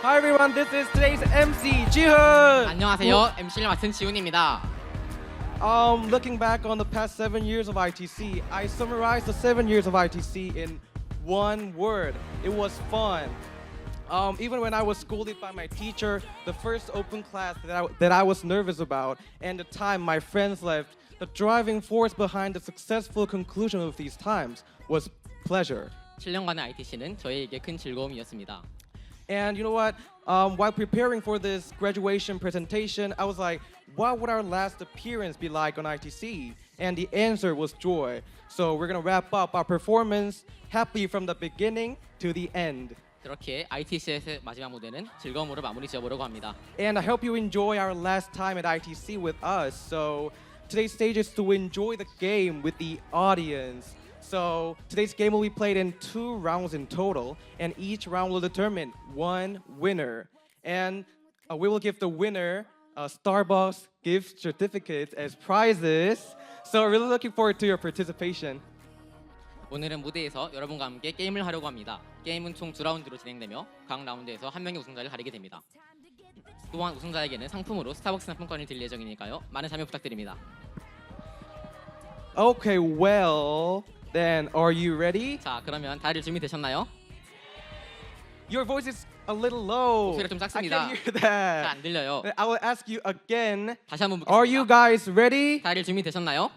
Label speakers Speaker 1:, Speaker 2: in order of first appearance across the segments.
Speaker 1: Hi everyone, this is today's MC, Jihoon.
Speaker 2: 안녕하세요. MC를 맡은 지훈입니다.
Speaker 1: Looking back on the past 7 years of ITC, I summarized the 7 years of ITC in one word. It was fun. Even when I was scolded by my teacher, the first open class that I was nervous about, and the time my friends left, the driving force behind the successful conclusion of these times was pleasure.
Speaker 2: 7년간의 ITC는 저희에게 큰 즐거움이었습니다.
Speaker 1: And you know what? While preparing for this graduation presentation, I was like, what would our last appearance be like on ITC? And the answer was joy. So we're gonna wrap up our performance happy from the beginning to the end.
Speaker 2: 그렇게 ITC의 마지막 무대는 즐거움으로 마무리 지어보려고 합니다.
Speaker 1: And I hope you enjoy our last time at ITC with us. So today's stage is to enjoy the game with the audience. So today's game will be played in 2 rounds in total, and each round will determine one winner. And we will give the winner Starbucks gift certificates as prizes. So we're really looking forward to your participation.
Speaker 2: 오늘은 무대에서 여러분과 함께 게임을 하려고 합니다. 게임은 총 2라운드로 진행되며 각 라운드에서 한 명의 우승자를 가리게 됩니다. 또한 우승자에게는 상품으로 스타벅스 상품권을 드릴 예정이니까요. 많은 참여 부탁드립니다.
Speaker 1: Okay, well, then are you ready?
Speaker 2: 자, 그러면 다들 준비되셨나요?
Speaker 1: Your voice is a little low.
Speaker 2: 목소리가 좀
Speaker 1: I
Speaker 2: 작습니다.
Speaker 1: can't hear
Speaker 2: 잘
Speaker 1: that.
Speaker 2: 안 들려요.
Speaker 1: I will ask you again.
Speaker 2: 다시 한번
Speaker 1: Are you
Speaker 2: 묻겠습니다.
Speaker 1: guys ready?
Speaker 2: 다들 준비되셨나요?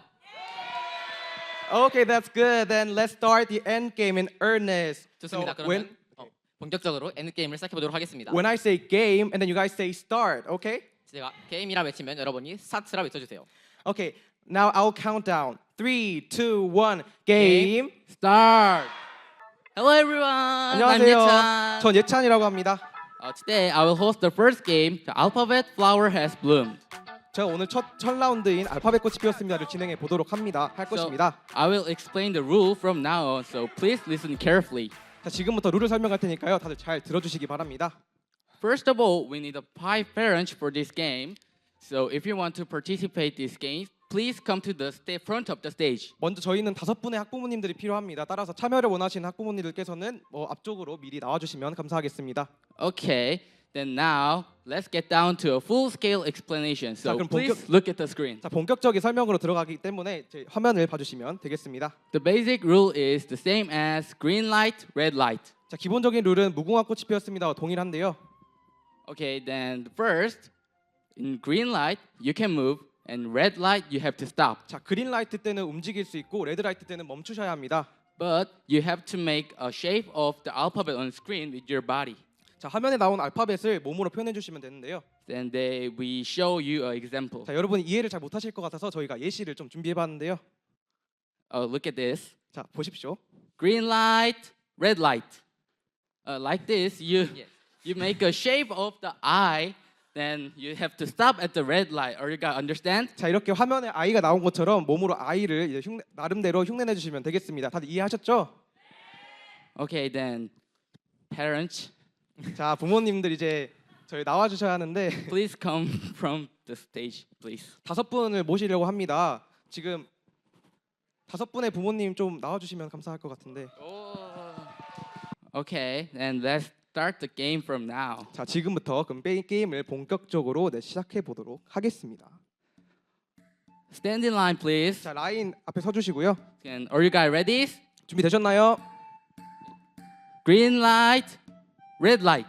Speaker 1: Okay, that's good. Then let's start the end game in earnest.
Speaker 2: 좋습니다.
Speaker 1: So
Speaker 2: 그러면 본격적으로 엔드 게임을 시작해 보도록 하겠습니다.
Speaker 1: when I say game and then you guys say start, okay?
Speaker 2: 제가 게임이라 외치면 여러분이 스타트라 외쳐주세요.
Speaker 1: Okay, now I'll count down. 3, 2, 1, game.
Speaker 3: Start. Hello everyone. I'm
Speaker 1: 안녕하세요.
Speaker 3: Ye찬.
Speaker 1: 전 예찬이라고 합니다.
Speaker 3: Today I will host the first game. The alphabet flower has bloomed.
Speaker 1: 제가 오늘 첫 라운드인 알파벳 꽃이 피었습니다를 진행해 보도록 할 것입니다.
Speaker 3: I will explain the rule from now on. So please listen carefully.
Speaker 1: 자, 지금부터 룰을 설명할 테니까요. 다들 잘 들어주시기 바랍니다.
Speaker 3: First of all, we need 5 parents for this game. So if you want to participate this game, please come to the front of the stage.
Speaker 1: 먼저 저희는 5분의 학부모님들이 필요합니다. 따라서 참여를 원하시는 학부모님들께서는 앞쪽으로 미리 나와주시면 감사하겠습니다.
Speaker 3: Okay. Then now let's get down to a full-scale explanation. So
Speaker 1: 자, 그럼
Speaker 3: please look at the screen.
Speaker 1: 자, 본격적인 설명으로 들어가기 때문에 제 화면을 봐주시면 되겠습니다.
Speaker 3: The basic rule is the same as green light, red light.
Speaker 1: 자, 기본적인 룰은 무궁화 꽃이 피었습니다와 동일한데요.
Speaker 3: Okay, then first, in green light, you can move, and red light, you have to stop.
Speaker 1: 자, 그린 라이트 때는 움직일 수 있고 레드 라이트 때는 멈추셔야 합니다.
Speaker 3: But you have to make a shape of the alphabet on screen with your body.
Speaker 1: 자, 화면에 나온 알파벳을 몸으로 표현해 주시면 되는데요.
Speaker 3: Then we show you an example.
Speaker 1: 자, 여러분이 이해를 잘 못하실 것 같아서 저희가 예시를 좀 준비해 봤는데요.
Speaker 3: Look at this.
Speaker 1: 자, 보십시오.
Speaker 3: Green light, red light. Like this,
Speaker 2: Yes.
Speaker 3: you make a shape of the eye. Then you have to stop at the red light. Are you guys understand?
Speaker 1: 자, 이렇게 화면에 아이가 나온 것처럼 몸으로 아이를 이제 나름대로 흉내내 주시면 되겠습니다. 다들 이해하셨죠?
Speaker 3: Okay, then parents,
Speaker 1: 자, 부모님들 이제 저희 나와 주셔야 하는데
Speaker 3: please come from the stage, please.
Speaker 1: 5분을 모시려고 합니다. 지금 5분의 부모님 좀 나와 주시면 감사할 것 같은데.
Speaker 3: Okay, and let's start the game from now.
Speaker 1: 자, 지금부터 그럼 게임을 본격적으로 시작해 보도록 하겠습니다.
Speaker 3: Stand in line, please.
Speaker 1: 자, 라인 앞에 서 주시고요.
Speaker 3: And are you guys ready?
Speaker 1: 준비되셨나요?
Speaker 3: Green light, red light.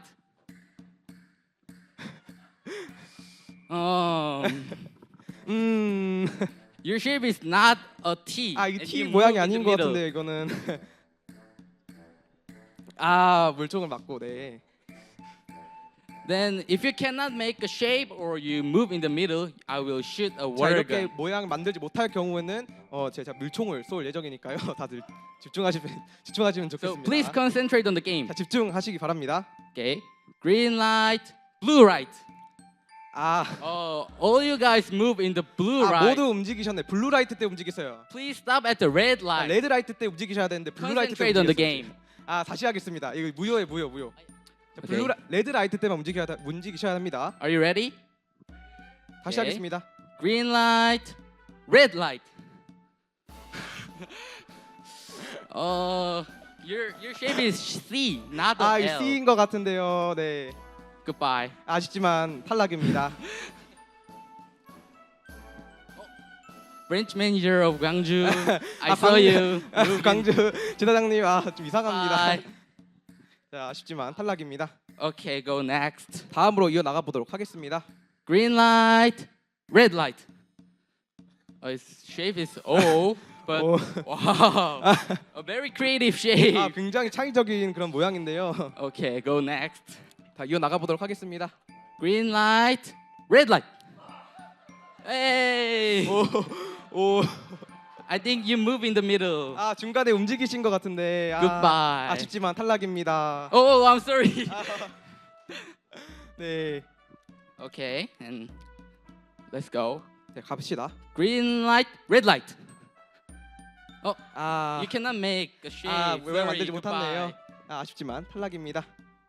Speaker 3: Your shape is not a T.
Speaker 1: 아, 이
Speaker 3: and
Speaker 1: T
Speaker 3: you
Speaker 1: 모양이
Speaker 3: move in
Speaker 1: 아닌
Speaker 3: the
Speaker 1: 것
Speaker 3: middle.
Speaker 1: 같은데 이거는. 아, 물총을 맞고 네.
Speaker 3: Then if you cannot make a shape or you move in the middle, I will shoot a
Speaker 1: 자,
Speaker 3: water
Speaker 1: 이렇게
Speaker 3: gun.
Speaker 1: 모양 만들지 못할 경우에는 제가 물총을 쏠 예정이니까요. 다들 집중하시면
Speaker 3: So
Speaker 1: 좋겠습니다.
Speaker 3: please concentrate on the game.
Speaker 1: 자, 집중하시기 바랍니다.
Speaker 3: Okay. Green light, blue light.
Speaker 1: 아,
Speaker 3: All you guys move in the blue
Speaker 1: 아,
Speaker 3: light.
Speaker 1: 모두 움직이셨네. 블루 라이트 때 움직이세요.
Speaker 3: Please stop at the red
Speaker 1: 아,
Speaker 3: light.
Speaker 1: 레드 라이트 때 움직이셔야 되는데 블루 라이트 때
Speaker 3: Concentrate on the
Speaker 1: 움직이셨어요.
Speaker 3: game.
Speaker 1: 아, 다시 하겠습니다. 이거 무효예요, 무효. 자,
Speaker 3: 오케이.
Speaker 1: 레드 라이트 때만 움직이셔야 합니다.
Speaker 3: Are you ready?
Speaker 1: 다시
Speaker 3: 오케이.
Speaker 1: 하겠습니다.
Speaker 3: Green light, red light. Your shape is C, not
Speaker 1: 아,
Speaker 3: a
Speaker 1: 이
Speaker 3: L.
Speaker 1: C인 것 같은데요. 네.
Speaker 3: Goodbye.
Speaker 1: 아쉽지만 탈락입니다.
Speaker 3: Branch manager of Gwangju. I
Speaker 1: 아,
Speaker 3: saw you.
Speaker 1: 광주 지사장님 좀 이상합니다.
Speaker 3: Bye.
Speaker 1: 자, 아쉽지만 탈락입니다.
Speaker 3: Okay, go next.
Speaker 1: 다음으로 이어 나가 보도록 하겠습니다.
Speaker 3: Green light, red light. Its shape is O, but
Speaker 1: 오.
Speaker 3: wow, a very creative shape.
Speaker 1: 굉장히 창의적인 그런 모양인데요.
Speaker 3: Okay, go next.
Speaker 1: 자, 이어 나가 보도록 하겠습니다.
Speaker 3: Green light, red light. Hey!
Speaker 1: 오,
Speaker 3: I think you move in the middle.
Speaker 1: 중간에 움직이신 것 같은데
Speaker 3: Goodbye.
Speaker 1: 아쉽지만 탈락입니다.
Speaker 3: Oh, I'm sorry.
Speaker 1: 네,
Speaker 3: Okay, and let's go.
Speaker 1: 네, 갑시다.
Speaker 3: Green light, red light.
Speaker 1: 아,
Speaker 3: You cannot make a shape.
Speaker 1: 모양
Speaker 3: Sorry,
Speaker 1: 만들지 못했네요.
Speaker 3: goodbye.
Speaker 1: 아쉽지만 탈락입니다.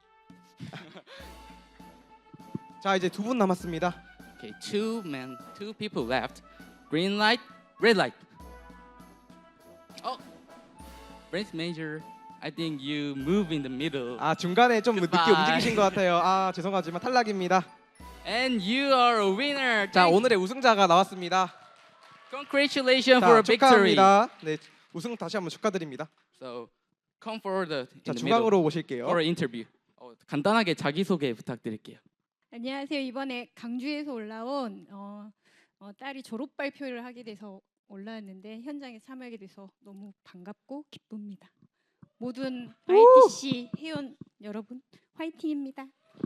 Speaker 1: 자, 이제 두 분 남았습니다.
Speaker 3: Okay, two people left. Green light, red light. Oh, branch manager. I think you move in the middle.
Speaker 1: 중간에 좀 늦게
Speaker 3: Goodbye.
Speaker 1: 움직이신 것 같아요. 죄송하지만 탈락입니다.
Speaker 3: And you are a winner.
Speaker 1: 자, 오늘의 우승자가 나왔습니다.
Speaker 3: Congratulations for a victory.
Speaker 1: 축하합니다. 네, 우승 다시 한번 축하드립니다.
Speaker 3: So, come forward in
Speaker 1: 자,
Speaker 3: the middle
Speaker 1: 중앙으로 오실게요.
Speaker 3: for an interview. 간단하게 자기 소개 부탁드릴게요.
Speaker 4: 안녕하세요. 이번에 강주에서 올라온 딸이 졸업 발표를 하게 돼서 올라왔는데 현장에 참여하게 돼서 너무 반갑고 기쁩니다. 모든 ITC 회원 여러분 화이팅입니다.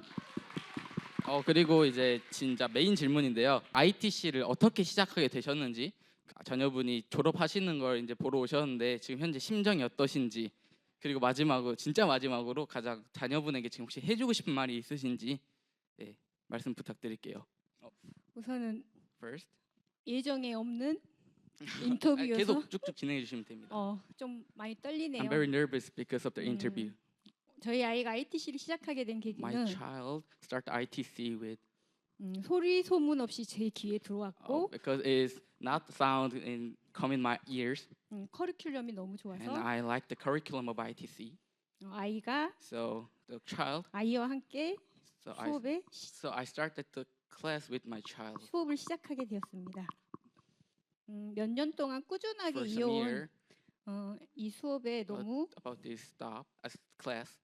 Speaker 3: 그리고 이제 진짜 메인 질문인데요. ITC를 어떻게 시작하게 되셨는지, 자녀분이 졸업하시는 걸 이제 보러 오셨는데 지금 현재 심정이 어떠신지, 그리고 진짜 마지막으로 가장 자녀분에게 지금 혹시 해주고 싶은 말이 있으신지 말씀 부탁드릴게요.
Speaker 4: 우선은
Speaker 3: First,
Speaker 4: 예정에 없는 인터뷰여서
Speaker 3: 계속 쭉쭉 진행해 주시면 됩니다.
Speaker 4: 좀 많이 떨리네요.
Speaker 3: I'm very nervous because of the interview.
Speaker 4: 저희 아이가 ITC를 시작하게 된
Speaker 3: My
Speaker 4: 계기는
Speaker 3: child start ITC with
Speaker 4: 소리 소문 없이 제 귀에 들어왔고
Speaker 3: because it's not sound in come in my ears,
Speaker 4: 커리큘럼이 너무 좋아서
Speaker 3: and I like the curriculum of ITC.
Speaker 4: 아이가
Speaker 3: So the child,
Speaker 4: 아이와 함께
Speaker 3: so I started the class with my child
Speaker 4: 수업을 시작하게 되었습니다. 몇 년 동안 꾸준하게
Speaker 3: for some
Speaker 4: 이어온
Speaker 3: year
Speaker 4: 이 수업에 너무
Speaker 3: about this class.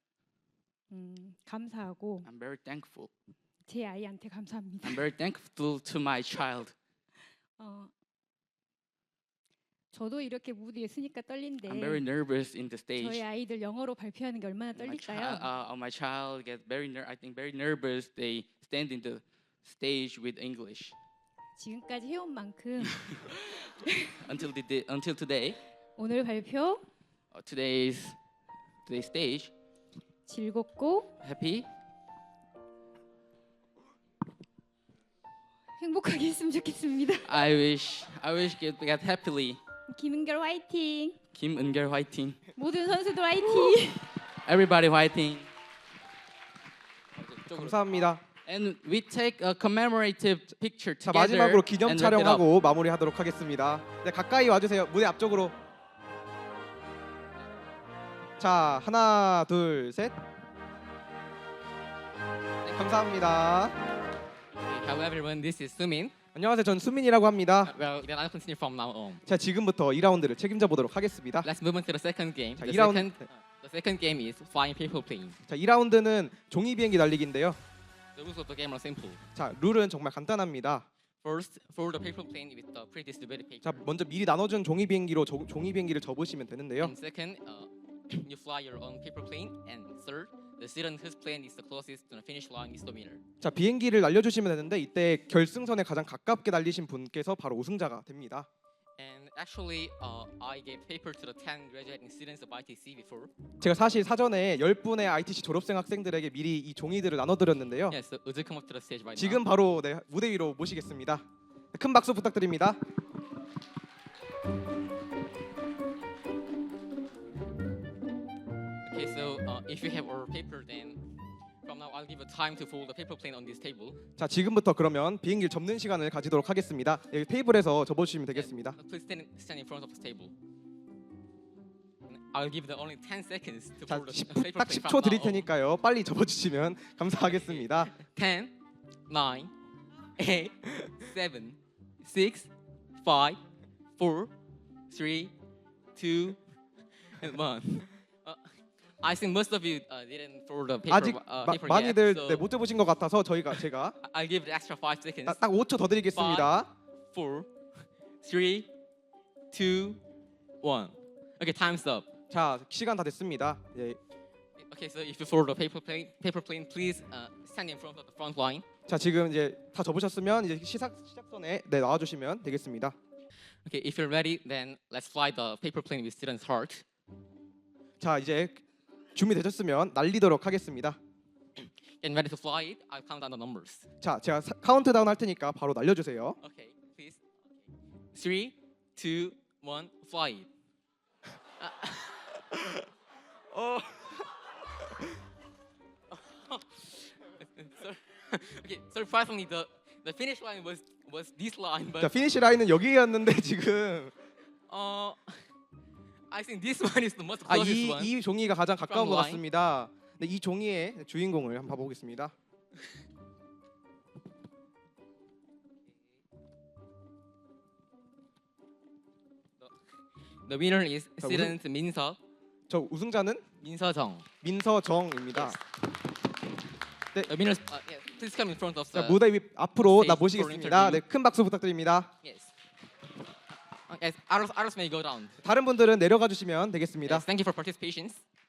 Speaker 4: 감사하고
Speaker 3: I'm very thankful.
Speaker 4: 제 아이한테 감사합니다.
Speaker 3: I'm very thankful to my child.
Speaker 4: 저도 이렇게 무대에 서니까 떨린데
Speaker 3: I'm very nervous in the
Speaker 4: 저희
Speaker 3: stage.
Speaker 4: 아이들 영어로 발표하는 게 얼마나 떨릴까요?
Speaker 3: My child get I think very nervous. They stand in the stage with English.
Speaker 4: 지금까지 해온 만큼
Speaker 3: Until today,
Speaker 4: 오늘 발표
Speaker 3: today's stage,
Speaker 4: 즐겁고
Speaker 3: happy.
Speaker 4: 행복하게 했으면 좋겠습니다.
Speaker 3: I wish get happily.
Speaker 4: 김은결 화이팅!
Speaker 3: 김은결 화이팅.
Speaker 4: 모든 선수들 화이팅!
Speaker 3: Everybody 화이팅.
Speaker 1: 감사합니다.
Speaker 3: And we take a commemorative picture
Speaker 1: 자,
Speaker 3: together.
Speaker 1: 마지막으로 기념
Speaker 3: and wrap it up.
Speaker 1: 촬영하고 마무리하도록 하겠습니다. 네, 가까이 와주세요. 무대 앞쪽으로. 자, 하나, 둘, 셋. 네, 감사합니다.
Speaker 2: Hello everyone, this is Sumin.
Speaker 1: 안녕하세요. 전 수민이라고 합니다.
Speaker 2: Well, then I'll continue from now on.
Speaker 1: 자, 지금부터 2라운드를 책임져 보도록 하겠습니다.
Speaker 2: Let's move on to the second game.
Speaker 1: 자,
Speaker 2: The
Speaker 1: 2라운드.
Speaker 2: second game is flying paper plane.
Speaker 1: 자, 2라운드는 종이 비행기 날리기인데요.
Speaker 2: The rules of the game are simple.
Speaker 1: 자, 룰은 정말 간단합니다.
Speaker 2: First, fold the paper plane with the pre-distributed paper.
Speaker 1: 자, 먼저 미리 나눠준 종이 비행기로 종이 비행기를 접으시면 되는데요.
Speaker 2: And second, you fly your own paper plane. And third, the student whose plane is the closest to the finish line is the winner.
Speaker 1: 자, 비행기를 날려주시면 되는데 이때 결승선에 가장 가깝게 날리신 분께서 바로 우승자가 됩니다.
Speaker 2: And actually, I gave paper to the 10 graduating students of ITC before.
Speaker 1: 제가 사실 사전에 10분의 ITC 졸업생 학생들에게 미리 이 종이들을 나눠드렸는데요.
Speaker 2: Yes, so would you come up to the stage right
Speaker 1: 지금
Speaker 2: now?
Speaker 1: 바로 무대 위로 모시겠습니다. 큰 박수 부탁드립니다.
Speaker 2: Okay, so if you have our paper, then from now I'll give you time to fold the paper plane on this table.
Speaker 1: 자, 지금부터 그러면 비행기를 접는 시간을 가지도록 하겠습니다. 여기 테이블에서 접어주시면 되겠습니다.
Speaker 2: And please stand in front of the table. I'll give the only 10 seconds to
Speaker 1: 자,
Speaker 2: pull the
Speaker 1: 10분,
Speaker 2: paper
Speaker 1: 딱
Speaker 2: plane
Speaker 1: 10초
Speaker 2: from
Speaker 1: 드릴
Speaker 2: now on.
Speaker 1: 테니까요. 빨리 접어주시면 감사하겠습니다.
Speaker 2: 10, 9, 8, 7, 6, 5, 4, 3, 2, and 1. I think most of you didn't throw the paper,
Speaker 1: 아직
Speaker 2: paper
Speaker 1: 많이들
Speaker 2: yet, so
Speaker 1: 네, 못 접으신 것 같아서 제가
Speaker 2: I'll give the extra 5 seconds.
Speaker 1: 딱 5초 더 드리겠습니다.
Speaker 2: 4, 3, 2, 1. Okay, time's up.
Speaker 1: 자, 시간 다 됐습니다. 예.
Speaker 2: Okay, so if you throw the paper plane, please stand in front of the front line.
Speaker 1: 자, 지금 이제 다 접으셨으면 이제 시작선에 네, 나와주시면 되겠습니다.
Speaker 2: Okay, if you're ready, then let's fly the paper plane with students' heart.
Speaker 1: 자, 이제 준비되셨으면 날리도록 하겠습니다.
Speaker 2: Get ready to fly it. I'll count down the numbers.
Speaker 1: 자, 제가 카운트다운 할 테니까 바로 날려주세요.
Speaker 2: Okay, please. 3, 2, 1, fly it. Okay, surprisingly, the finish line was this line,
Speaker 1: 자,
Speaker 2: but
Speaker 1: 피니시 라인은 여기였는데 지금
Speaker 2: I think this one is the most
Speaker 1: 아,
Speaker 2: closest one.
Speaker 1: 이 종이가 가장 가까운 것
Speaker 2: line.
Speaker 1: 같습니다. 네, 이 종이의 주인공을 한번 봐보겠습니다.
Speaker 2: The winner is
Speaker 1: 자,
Speaker 2: student 민서
Speaker 1: 저 우승자는
Speaker 2: 민서정.
Speaker 1: 민서정입니다.
Speaker 2: The winner, yes, please come in front of
Speaker 1: 자,
Speaker 2: the.
Speaker 1: 무대 위 앞으로
Speaker 2: stage
Speaker 1: 나
Speaker 2: for
Speaker 1: 모시겠습니다. 네,
Speaker 2: interview.
Speaker 1: 큰 박수 부탁드립니다.
Speaker 2: Yes. Yes, others may go down.
Speaker 1: 다른 분들은 내려가 주시면 되겠습니다.
Speaker 2: Yes, thank you for participation.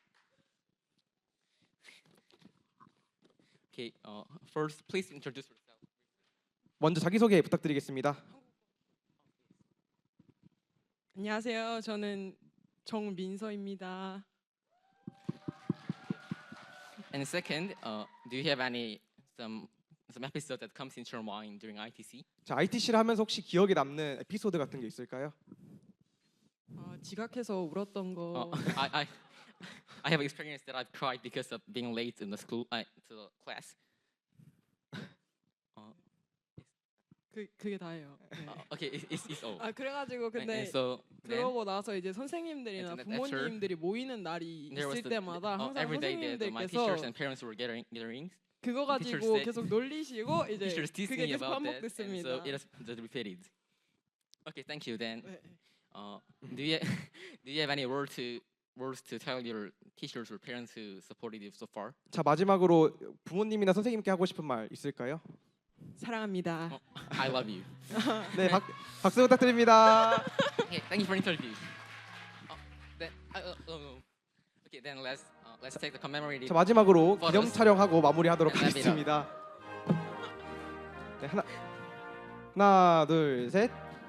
Speaker 2: Okay, first please introduce yourself.
Speaker 1: 먼저 자기소개 부탁드리겠습니다.
Speaker 5: 안녕하세요. 저는 정민서입니다.
Speaker 2: And second, do you have any some episode that comes into your mind during ITC?
Speaker 1: 자, ITC를 하면서 혹시 기억에 남는 에피소드 같은 게 있을까요?
Speaker 5: 지각해서 울었던 거.
Speaker 2: I have experienced that I've cried because of being late in the school to the class.
Speaker 5: 그게 다예요. 네.
Speaker 2: Okay, it's all.
Speaker 5: 그래가지고 근데
Speaker 2: And so then
Speaker 5: 그러고 나서 이제 선생님들이나
Speaker 2: And then after,
Speaker 5: 부모님들이 모이는 날이
Speaker 2: there was
Speaker 5: 있을 때마다 항상
Speaker 2: every day that my
Speaker 5: 선생님들께서
Speaker 2: teachers and parents were gathering.
Speaker 5: 그거
Speaker 2: teachers
Speaker 5: 가지고
Speaker 2: said-
Speaker 5: 계속 놀리시고 이제
Speaker 2: Teachers teased
Speaker 5: 그게
Speaker 2: me
Speaker 5: 계속
Speaker 2: about that, and
Speaker 5: 반복됐습니다.
Speaker 2: so it has repeated. Okay, thank you. Then,
Speaker 5: 네.
Speaker 2: do you do you have any words to tell your teachers or parents who supported you so far?
Speaker 1: 자, 마지막으로 부모님이나 선생님께 하고 싶은 말 있을까요?
Speaker 5: 사랑합니다.
Speaker 2: I love you.
Speaker 1: 네, 박수 부탁드립니다.
Speaker 2: Okay, thank you for interview. Then, okay, then let's take the commemorative.
Speaker 1: 자, 마지막으로
Speaker 2: Photos.
Speaker 1: 기념 촬영하고 마무리하도록
Speaker 2: And wrap it up.
Speaker 1: 하겠습니다. 네, 하나, 둘, 셋.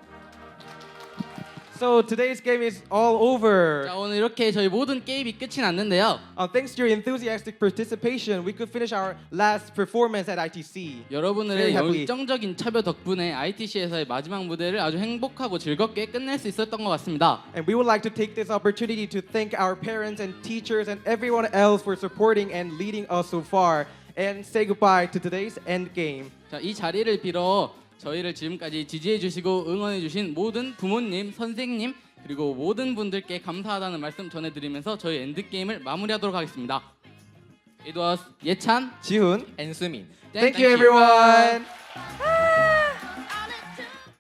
Speaker 1: So today's game is all over.
Speaker 3: 자, 오늘 이렇게 저희 모든 게임이 끝이 났는데요.
Speaker 1: Thanks to your enthusiastic participation, we could finish our last performance at ITC. Very
Speaker 3: 여러분들의
Speaker 1: happy.
Speaker 3: 열정적인 참여 덕분에 ITC에서의 마지막 무대를 아주 행복하고 즐겁게 끝낼 수 있었던 것 같습니다.
Speaker 1: And we would like to take this opportunity to thank our parents and teachers and everyone else for supporting and leading us so far, and say goodbye to today's end game.
Speaker 3: 자, 이 자리를 빌어 저희를 지금까지 지지해 주시고 응원해 주신 모든 부모님, 선생님 그리고 모든 분들께 감사하다는 말씀 전해드리면서 저희 엔드 게임을 마무리하도록 하겠습니다. It was 예찬,
Speaker 1: 지훈,
Speaker 2: And Sumin.
Speaker 1: thank you everyone.